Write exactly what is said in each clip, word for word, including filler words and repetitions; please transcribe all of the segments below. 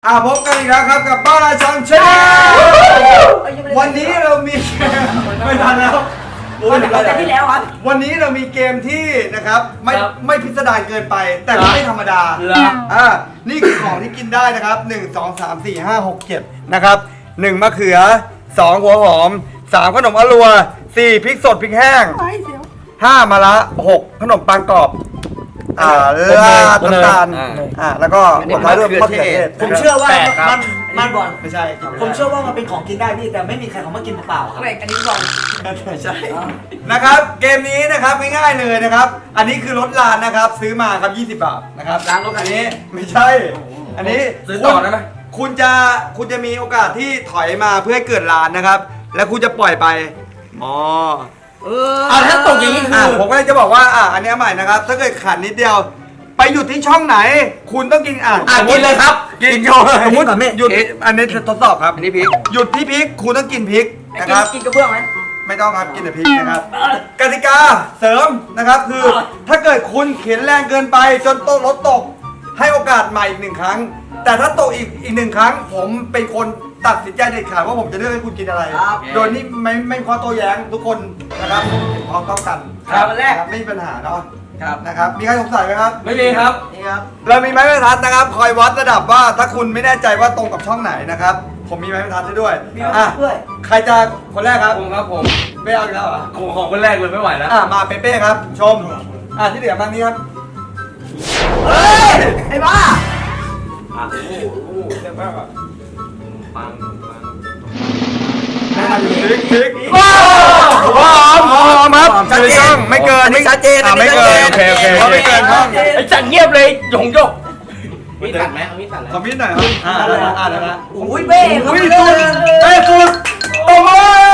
อ่าพบกันอีกแล้วครับกับบ้าราชังเชนวันนี้เรามีไม่ทันแล้ววันที่แล้วครับวันนี้เรามีเกมที่นะครับไม่ไม่พิสดารเกินไปแต่ไม่ธรรมดาอ่านี่คือของที่กินได้นะครับหนึ่ง สอง สาม สี่ ห้า หก เจ็ดนะครับหนึ่งมะเขือสองหัวหอมสามขนมอรัวสี่พริกสดพริกแห้งห้ามะระหกขนมปังกรอบอ่าลาดน้ำตาลอ่าแล้วก็ผลไม้ด้วยมะเขือเทศผมเชื่อว่ามันมันบอลไม่ใช่ผมเชื่อว่ามันเป็นของกินได้พี่แต่ไม่มีใครเขามากินเปล่าครับอันนี้บอลใช่นะครับเกมนี้นะครับง่ายๆเลยนะครับอันนี้คือรถลานนะครับซื้อมาครับยี่สิบบาทนะครับล้างรถอันนี้ไม่ใช่อันนี้ซื้อต่อได้ไหมคุณจะคุณจะมีโอกาสที่ถอยมาเพื่อให้เกิดลานนะครับแล้วคุณจะปล่อยไปอ๋อเอออ่าถ้าตกอย่างนี้คือผมก็เลยจะบอกว่าอ่ะอันนี้ใหม่นะครับถ้าเกิดขันนิดเดียวไปหยุดที่ช่องไหนคุณต้องกินอ่ะกินเลยครับกินโยสมมติหยุดอันนี้ทดสอบครับอันนี้พริกหยุดที่พริกคุณต้องกินพริกนะครับกินกระเบื้องไหมไม่ต้องครับกินแต่พริกนะครับกติกาเสริมนะครับคือถ้าเกิดคุณเข็นแรงเกินไปจนโต๊ะรถตกให้โอกาสใหม่อีกหนึ่งครั้งแต่ถ้าตกอีกอีกหนึ่งครั้งผมเป็นคนตัดสินใจเด็ดขาดว่าผมจะเลือกให้คุณกินอะไรโดยนี่ไม่ไม่ข้อโต้แย้งทุกคนนะครับพร้อมต้องกันครับแรกไม่มีปัญหาเนาะครับนะครับมีใครสงสัยไหมครับไม่มีครับนี่ครับเรามีไม้บรรทัดนะครับคอยวัดระดับว่าถ้าคุณไม่แน่ใจว่าตรงกับช่องไหนนะครับผมมีไม้บรรทัดให้ด้วยอ่ะใครจะคนแรกครับผมครับผมไม่เอาอีกแล้วเหรอผมของคนแรกเลยไม่ไหวแล้วอ่ะมาเป๊ะๆครับชมอ่ะที่เหลือบ้างนี้ครับเฮ้ยไอ้บ้าอ่ะโอ้โหเรียบร้อยแบบปังปังพริกพริกหอมหอมครับชัดเจนไม่เกินไม่ชัดเจนไม่เกินโอเคโอเคไม่เกินครับไอ้จัดเงียบเลยหยงยกมีตัดไหมเอามีตัดเลยขอมีดหน่อยครับอ่าได้อ่าได้ละโอ้ยเบ้อุ้ยสุดเบ้สุดโอ้โห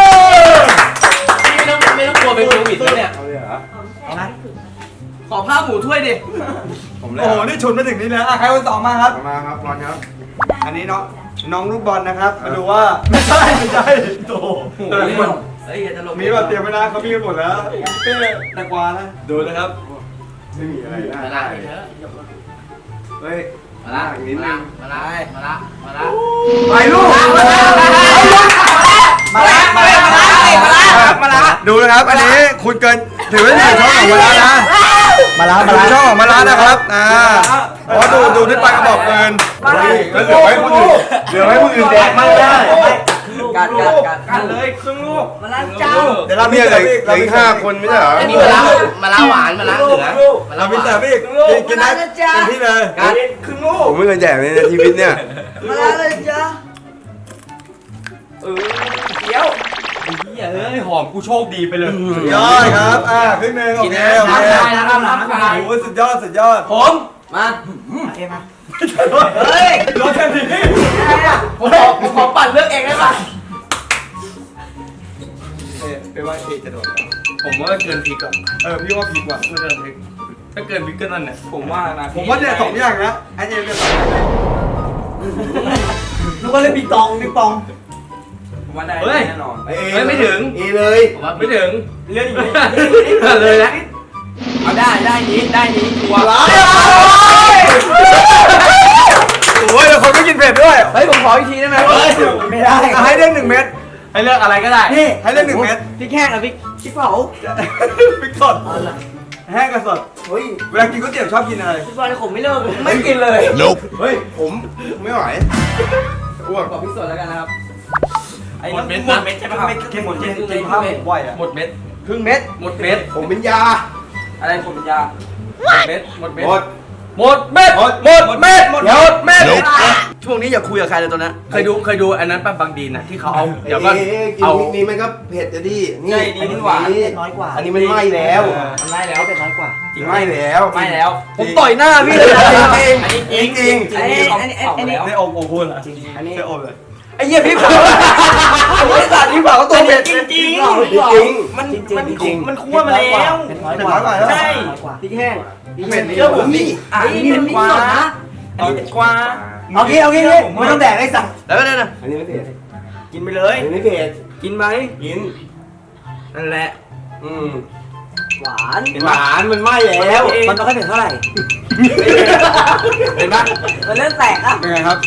ไม่ต้องไม่ต้องกลัวเป็นโควิดแล้วเนี่ยเอาไหมขอผ้าหมูถ้วยดิผมเลยโอ้โหนี่ฉุนมาถึงนี่แล้วอ่ะใครคนสองมาครับมาครับบอลครับอันนี้เนาะน้องลูกบอลนะครับมาดูว่าไม่ใช่ไม่ใช่โตเฮ้ยอย่าตลกมีแบบเตรียมไว้นะเขามีกันหมดแล้วเป้ตะกวานะดูนะครับไม่มีอะไรนะมาละเฮ้ยมาละนิดนึงมาละมาละมาละไปลูกมาละมาละมาละมาละมาละดูนะครับอันนี้คุณเกินถือว่าอยู่ช่องของมาละนะมาละมาละช่องของมาละนะครับอ่าเพราะดูดูที่ปลายกระบอกปืนแล้วเหลือให้คนอื่นเหลือให้คนอื่นแดกไม่ได้กัดกัดกัดกัดเลยครึ่งลูกมาละจ้าเดี๋ยวเรามีอะไรเราอีกห้าคนไม่ใช่เหรออันนี้มาละมาละหวานมาละเหลือเรามีแต่พี่กินได้กินที่เลยกัดครึ่งลูกผมไม่เคยแดกเลยในชีวิตเนี่ยมาละเลยจ้าเออเดี๋ยวเฮ้ยหอมกูโชคดีไปเลยสุดยอดครับอ่าครึ่งนึงโอเคโอเคโอ้สุดยอดสุดยอดผมมาโอเคมาเฮ้ยรถแค่นี้ผมขอผมขอปั่นเลือกเองได้ป่ะเอ๊ะเป็นว่าเอ๊ะจะโดนผมว่าเกินพริกอ่ะเออพี่ว่าพริกว่ะเกินพริกถ้าเกินพริกก็นั่นเนี่ยผมว่านะผมว่าเนี่ยสองอย่างนะไอเอ็มเนี่ยสองอย่างนึกว่าเล่นปิงปองปิงปองผมว่าได้แน่นอนเฮ้ยไม่ถึงอีเลยผมว่าไม่ถึงเลื่อนอีกเลยนะเอาได้ได้นี้ได้นี้ชัวร์โอ้ยคนไม่กินเผ็ดด้วยเฮ้ยผมขออีกทีได้ไหมไม่ได้ให้เลือกหนึ่งเม็ดให้เลือกอะไรก็ได้นี่ให้เลือกหนึ่งเม็ดพริกแห้งกับพริกพริกเผาพริกสดแห้งกับสดเฮ้ยเวลากินก๋วยเตี๋ยวชอบกินอะไรพริกบอลผมไม่เลิกไม่กินเลยเฮ้ยผมไม่ไหวอ้วกขอพริกสดแล้วกันนะครับไอ้หมดเม็ดหมดเม็ดใช่ไหมครับกินหมดกินกินข้าวผมไหวอ่ะหมดเม็ดครึ่งเม็ดหมดเม็ดผมเป็นยาอะไรผมเป็นยาหมดเม็ดหมดเม็ดหมดหมดเม็ดหมดหมดเม็ดหมดเม็ดช่วงนี้อย่าคุยกับใครเลยตัวนั้นเคยดูเคยดูอันนั้นป้าบางดีนะที่เขาเอาเดี๋ยวก็เอานี่มันก็เผ็ดจะดีนี่อันนี้หวานน้อยกว่าอันนี้มันไหม้แล้วมันไหม้แล้วเป็นน้อยกว่าจริงไหม้แล้วไหม้แล้วผมต่อยหน้าพี่เลยจริงจริงจริงอันนี้อันนี้อันนี้ได้อมโอ้โหเหรอจริงอันนี้ได้อมเลยไอ้เหี้ยพี่เผาไอ้สัตว์พี่เผาก็ตัวเผ็ดจริงจริงจริงมันมันมันคั่วมาแล้วเป็นน้อยกว่าใช่พริกแห้งเผ็ดนี่เชื่อผมนี่อันนี้มันกว่าอันนี้กว่าโอเคโอเคไม่ต้องแดกไอ้สัตว์แล้วก็นั่นน่ะอันนี้ไม่เผ็ดกินไปเลยอันนี้ไม่เผ็ดกินไหมกินนั่นแหละอืมหวานหวานมันไหม้แล้วมันต้องให้เผ็ดเท่าไหร่เห็นไหมมันเริ่มแตกอ่ะเป็นไงครับ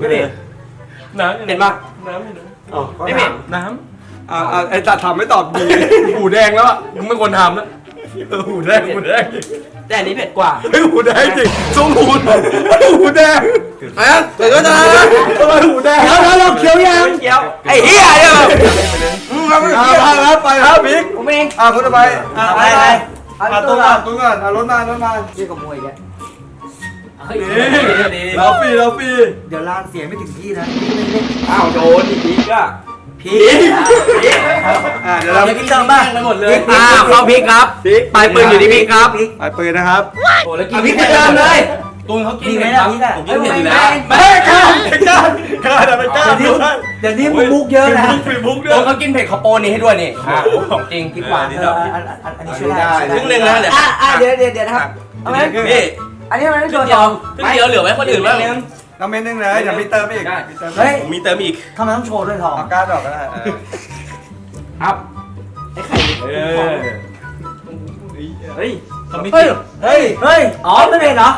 ไม่เผ็ดน้ำเผ็ดปะน้ำอยู่นะไม่เผ็ดน้อ่าอ่าไอ้ตัดทำไม่ตอบดีำหูแดงแล้วอ่ะมึงไม่ควรทำแล้วเออหูแดงหูแดงแต่อันนี้เผ็ดกว่าเฮ้ยหูแดงจริงทรงหูหูแดงไอ้เกิดก็จะทำไมหูแดงแล้วแล้วเราเคี้ยวยังเคี้ยวไอ้เหี้ยเนี่ยอืมเราไม่อ่าเกี่ยวไปครับไปครับพิกผมเองอ่าคนต่อไปอ่าไปไปไปไปอ่าตุ้งก่อนตุ้งก่อนอ่ารถมารถมาเรียกกับมวยแกเฮ้ยเราฟรีเราฟรีเดี๋ยวลานเสียงไม่ถึงที่นะอ้าวโดนอีกทีก็พีกอ่าเดี๋ยวเราเดี๋ยวพี่เติมป่ะไปหมดเลยอ่าเข้าพีกครับปลายปืนอยู่ที่พีกครับไปปืนนะครับโอ้แล้วกินเอาพีกไปเติมเลยตูนเขากินดีไหมเผ็ดครับล่ะพีกอะผมกินเผ็ดอยู่แล้วไม่กล้าไม่กล้าไม่กล้าแต่ไม่กล้าเดี๋ยวนี้เดี๋ยวนี้มึงมุกเยอะนะฟรีบุ๊กด้วตูยนเขากินเผ็ดเขาโปนนี่ให้ด้วยนี่อ่าของจริงพริกหวานนี่เอครัอบ อันอันอันนี้ช่วยได้ครึ่งหนึ่งนะเดี๋ยวอ่ะอ่ะเดี๋ยวเดี๋ยวเดี๋ยวนะครับเอาไหมนี่อันนี้มันไม่คโดรึ่งนเดีตยวองครึ่งเดียวเหลือไว้คนอื่นบ้างน้ำเม็ดนึงเลยเดี๋ยวพี่เติมอีกได้พี่เติมเฮ้ยผมมีเติมอีกทำไมต้องโชว์ด้วยทองเอาก้านออกก็ได้ครับไอ้ไข่เออเฮ้ยทำไม่เฮ้ยกินเฮ้ยเฮ้ยอ๋อไม่เป็นเหรอ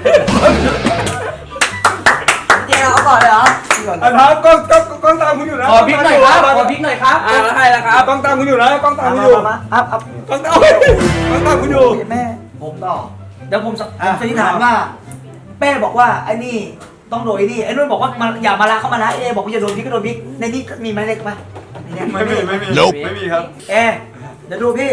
เจ๊เอาก่อนเลยเหรออ่ะครับกล้องกล้องกล้องตามคุณอยู่นะขอพริกหน่อยครับขอพริกหน่อยครับอ่าแล้วให้แล้วครับกล้องตามคุณอยู่นะกล้องตามมาคุณอยู่มามาอัพอัพกล้องตามกล้องตามคุณอยู่แม่ผมต่อเดี๋ยวผมสผมสันนิษฐานว่าแม่บอกว่าไอ้นี่ต้องโดนไอ้นี่ไอ้นุ่นบอกว่ามันอย่ามาละเข้ามาละเอ๊บอกว่าอย่าโดนพริกก็โดนพริกในนี้มีไหมเล็กไหมในเนี้ยไม่มีไม่มีไม่มีครับเอ๊เดี๋ยวดูพี่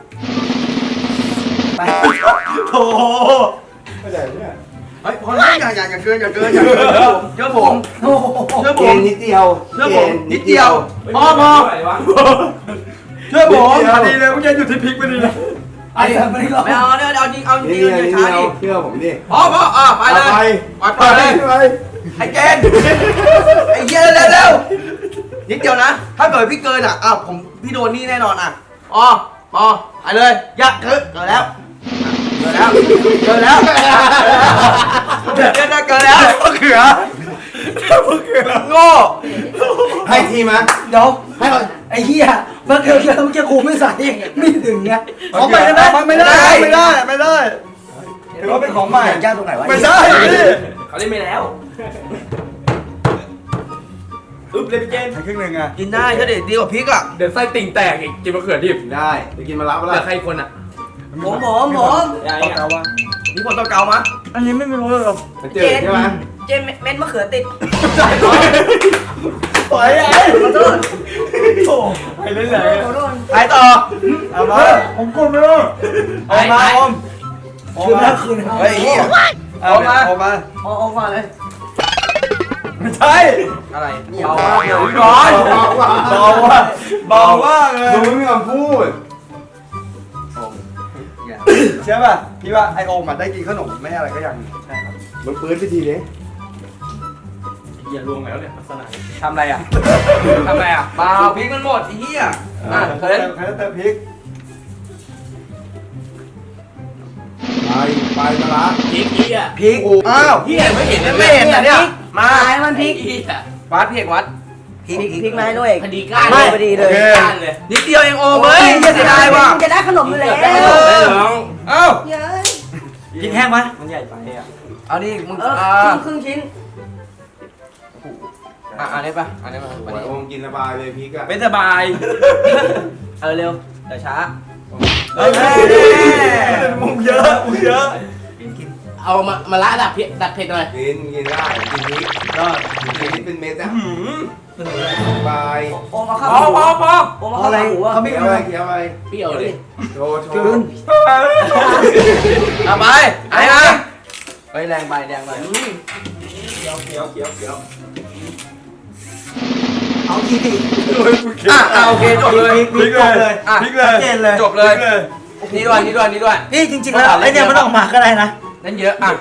ไปโอ้โหเฮ้ยพอแล้วอย่าอย่าอย่าเกินอย่าเกินอย่าเกินเชื่อผมโอ้โหเชื่อผเกมณฑ์นิดเดียวเชื่อผมนิดเดียวพอพอเชื่อผมพอดีเลยเมื่อกี้อยู่ที่พริกพอดีเลยไอ้ไม่ได้หรอกไม่เอาเนี่ยเอาจริงเอาจริงเอาช้าดิเชื่อผมดิพอพออ่ะไปเลยไปไปเลยไอ้เจนไอ้เหี้ยเร็วเร็วนิดเดียวนะ ถ้าเกิดพี่เกินอ่ะอ่ะผมพี่โดนนี่แน่นอนอ่ะอ๋อพอไปเลยยักเกินเกินแล้วเกินแล้วเกินแล้วเกินแล้วเกินแล้วมะเขือมะเขือโง่ให้ทีมะเดี๋ยวให้ก่อนไอ้เหี้ยเมื่อกี้เมื่อกี้กูไม่ใส่ไม่ถึงไงของใหม่ได้ไหมไม่ได้ไม่ได้ไม่ได้ถือว่าเป็นของใหม่ย่างตรงไหนวะไม่ใช่พี่เขาเล่นไปแล้วอึ๊บเลยพี่เจนให้ครึ่งหนึ่งอ่ะกินได้ก็เด็ดดีกว่าพริกอ่ะเดี๋ยวไส้ติ่งแตกอีกกินมะเขือดิบได้ไปกินมาละเหลือใครคนอ่ะผมผมผมต่อเกาว่านี่คนต้องเกามาอันนี้ไม่มีรสหรอกเจอใช่ไหมเจมเม็ดมะเขือติดปล่อยไอ้ขอโทษโอ้ไปเล่นไหนขอโทษไปต่อเอามาผมกดไม่รู้เอามาอมคืนแล้วคืนแล้วเฮ้ยเหี้ยเอามาเอามาเอาเอาก่อนเลยไม่ใช่อะไรเบาว่าร้อนเบาว่าเบาว่าเลยดูไม่มีคำพูดใช่ป่ะพี่ว่าไอโอมมันได้กินขนมไม่อะไรก็ยังใช่ครับมันปื้นไปทีนี้อย่าลวงแล้วเนี่ยลักษณะทำอะไรอ่ะทำอะไรอ่ะเปล่าพริกมันหมดไอ้เหี้ยอ่ะใครเฮ้ยใครจะเติมพริกไปไปมาละพริกเหี้ยพริกอ้าวเหี้ยไม่เห็นเลยไม่เห็นนะเนี่ยมาตายมันพริกเหี้ยวัดพี่เอกวัดพริกพริกมาให้ด้วยพอดีก้านไม่พอดีเลยก้านเลยนิดเดียวเองโอ้เฮ้ยเหี้ยเสียดายว่ะจะได้ขนมอยู่แล้วได้หรอได้หรอเอ้าเย้ยพริกแห้งไหมมันใหญ่ไปอ่ะเอาดิมึงเอออ่าครึ่งครึ่งชิ้นอ่ะอันนี้ป่ะอันนี้ป่ะโอ้ยโอมกินสบายเลยพริกอะไม่สบายเออเร็วเดี๋ยวช้าเฮ้ยมุมเยอะมุมเยอะเอามามาละดักเผ็ดดักเผ็ดหน่อยกินกินได้กินพริกได้กินพริกเป็นเม็ดอะบายโอมเอาข้าวพอพอพอโอมเอาข้าวหมูอ่ะเขาไม่เอาอะไรเคี้ยวอะไรเปรี้ยวเลยโชว์โชกลืว์นเอาไปไอ้นะเฮ้ยแรงไปแรงไปเคี้ยวเคี้ยวเคี้ยวเคี้ยวเอาทีสิอ่ะอ่ะโอเคจบเลยพริกเลยอ่ะพริกเลยชัดเจนเลยจบเลย นี่ด้วยนี่ด้วยนี่ด้วยนี่จริงๆแล้วไอเนี่ยมันออกมาก็ได้นะนั่นเยอะอ่ะ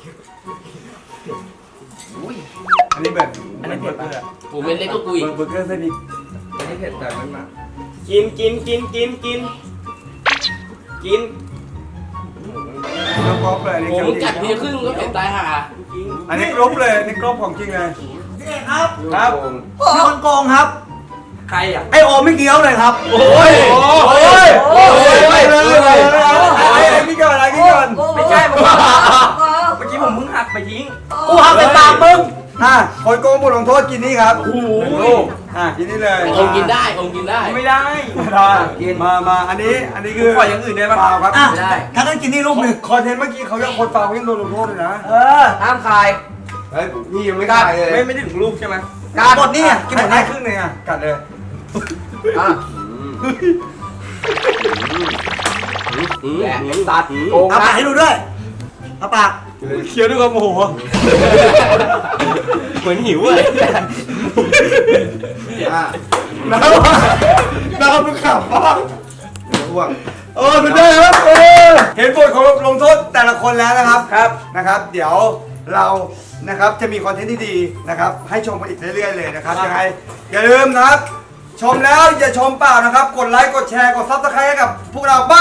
อันนี้แบบอันนี้เผ็ดปะกูเป็นเล็กก็กูอีกเบอร์เกอร์ไส้พริกอันนี้เผ็ดแต่มันมากินกินกินกินกินกินแล้วก็เลยอันนี้ผมเคี้ยวกัดจเพีริยงครึ่งก็เผ็ดตายห่าอันนี้กรอบเลยอันนี้กรอบของจริงเลยนี่ครับครับมีคนโกงครับใครอ่ะไอโอมไม่เกี้ยวเลยครับโอ้ยโอ้ยโอ้ยไปเลยเลยไอ้นี่ก่อนไอ้นี่ก่อนไม่ใช่ผมเมื่อกี้ผมเพิ่งหักไปทิ้งกูหักไปปากมึงอ่ะคนโกงบทลงโทษกินนี่ครับโอ้โหอ่ะกินนี่เลยองกินได้องกินได้ไม่ได้ได้มามาอันนี้อันนี้คือปล่อยอย่างอื่นได้ปะเปล่าครับอ่ะถ้างั้นกินนี่ลูกหนึ่งคอนเทนต์เมื่อกี้เขายังคนเปล่าเขายังโดนลงโทษเลยนะเออห้ามคายเฮ้ยพี่ยังไม่กักล้าดเลยไม่ไม่ได้ถึงลูกใช่ไหมกัดหมดนี่อ่ะกินหมดได้ได้ครึ่งหนึงอ่ะกัดเลยอ่ะแหละตัดโกงเอาปากนะให้ดูด้วยเอาปากเคี้ยวด้วยความโมโหเหมือนหิวเลยอ่ะน้ำน้ำมึงขับบ้างอ้วกเออสุดยอดครับเออเห็นบทของลงโทษแต่ละคนแล้วนะครับครับนะครับ เดี๋ยวเรานะครับจะมีคอนเทนต์ที่ดีนะครับ ให้ชมกันอีกเรื่อยๆเลยนะครับยังไงอย่าลืมนะครับ ชมแล้วอย่าชมเปล่านะครับ กดไลค์กดแชร์กดซับสไครต์ให้กับพวกเราบ้าน